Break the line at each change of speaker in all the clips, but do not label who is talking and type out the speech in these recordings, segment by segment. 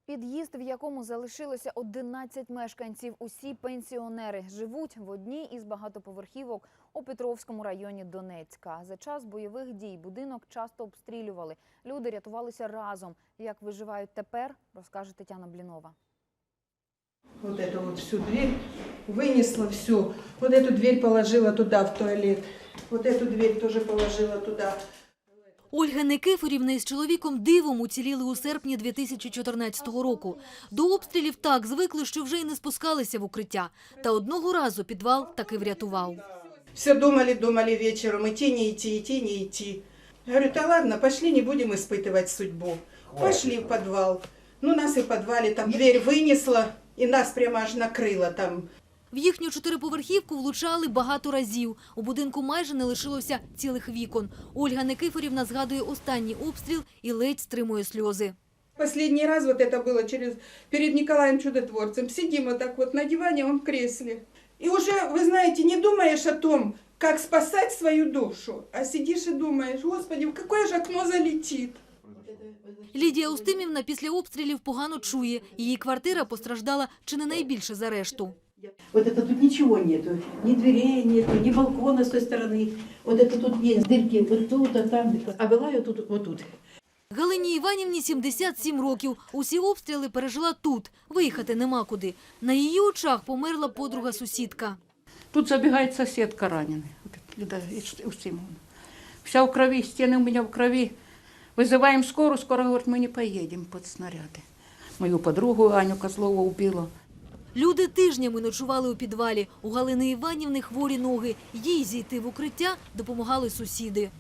Під'їзд, в якому залишилося 11 мешканців, усі пенсіонери, живуть в одній із багатоповерхівок у Петровському районі Донецька. За час бойових дій будинок часто обстрілювали. Люди рятувалися разом. Як виживають тепер, розкаже Тетяна Блінова.
Вот эту вот всю дверь вынесла всю. Вот эту дверь положила туда, в туалет. Вот эту дверь тоже положила туда.
Ольга Никифорівна із чоловіком дивом уціліли у серпні 2014 року. До обстрілів так звикли, що вже й не спускалися в укриття. Та одного разу підвал таки врятував.
Все думали вечером, идти, не идти, идти, не идти. Я говорю, да ладно, пошли, не будем испытывать судьбу. Пошли в подвал. Ну, нас и в подвале там дверь вынесла, и нас прямо аж накрыло там.
В їхню чотириповерхівку влучали багато разів. У будинку майже не лишилося цілих вікон. Ольга Никифорівна згадує останній обстріл і ледь стримує сльози.
Последний раз вот это было перед Николаем Чудотворцем. Сидим вот так вот на диване, он в кресле. И уже, вы знаете, не думаешь о том, как спасать свою душу, а сидишь и думаешь, Господи, в какое же окно залетит.
Лідія Устимівна після обстрілів погано чує. Її квартира постраждала чи не найбільше за решту.
Вот это тут ничего нету, ни дверей нету, ни балкона с той стороны. Вот это тут есть дырки вот тут, а там, а была я тут, вот тут.
Галині Іванівні 77 років. Усі обстріли пережила тут. Виїхати нема куди. На її очах померла подруга-сусідка.
Тут забегает соседка раненая, Лида Устимовна. Вся в крови, стены у меня в крови. Вызываем скорую, скоро говорит, мы не поедем под снаряды. Мою подругу Аню Козлову убила.
Люди тижнями ночували у підвалі. У Галини Іванівни хворі ноги. Їй зійти в укриття допомагали сусіди.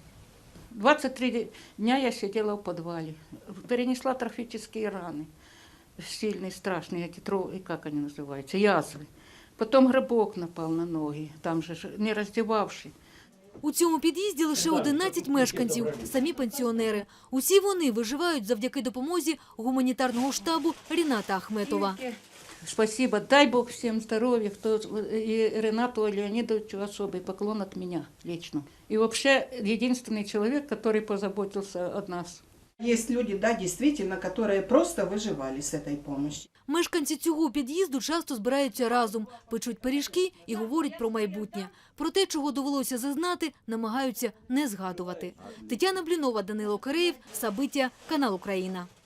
23 дня я сидела в подвале. Перенесла трофические раны. Сильные, страшные, эти, как они называются, язвы. Потом грибок напал на ноги, там же не раздевавший.
У цьому під'їзді лише 11 мешканців, самі пенсіонери. Усі вони виживають завдяки допомозі гуманітарного штабу Ріната Ахметова.
Спасибо, дай Бог всем здоровья, и Ренату Леонидовичу особый поклон от меня лично. И вообще единственный человек, который позаботился о нас.
Есть люди, да, действительно, которые просто выживали с этой помощью.
Мешканці цього під'їзду часто збираються разом, печуть пиріжки і говорять про майбутнє. Про те, чого довелося зазнати, намагаються не згадувати. Тетяна Блінова, Данило Киреєв, Сабиття, канал Україна.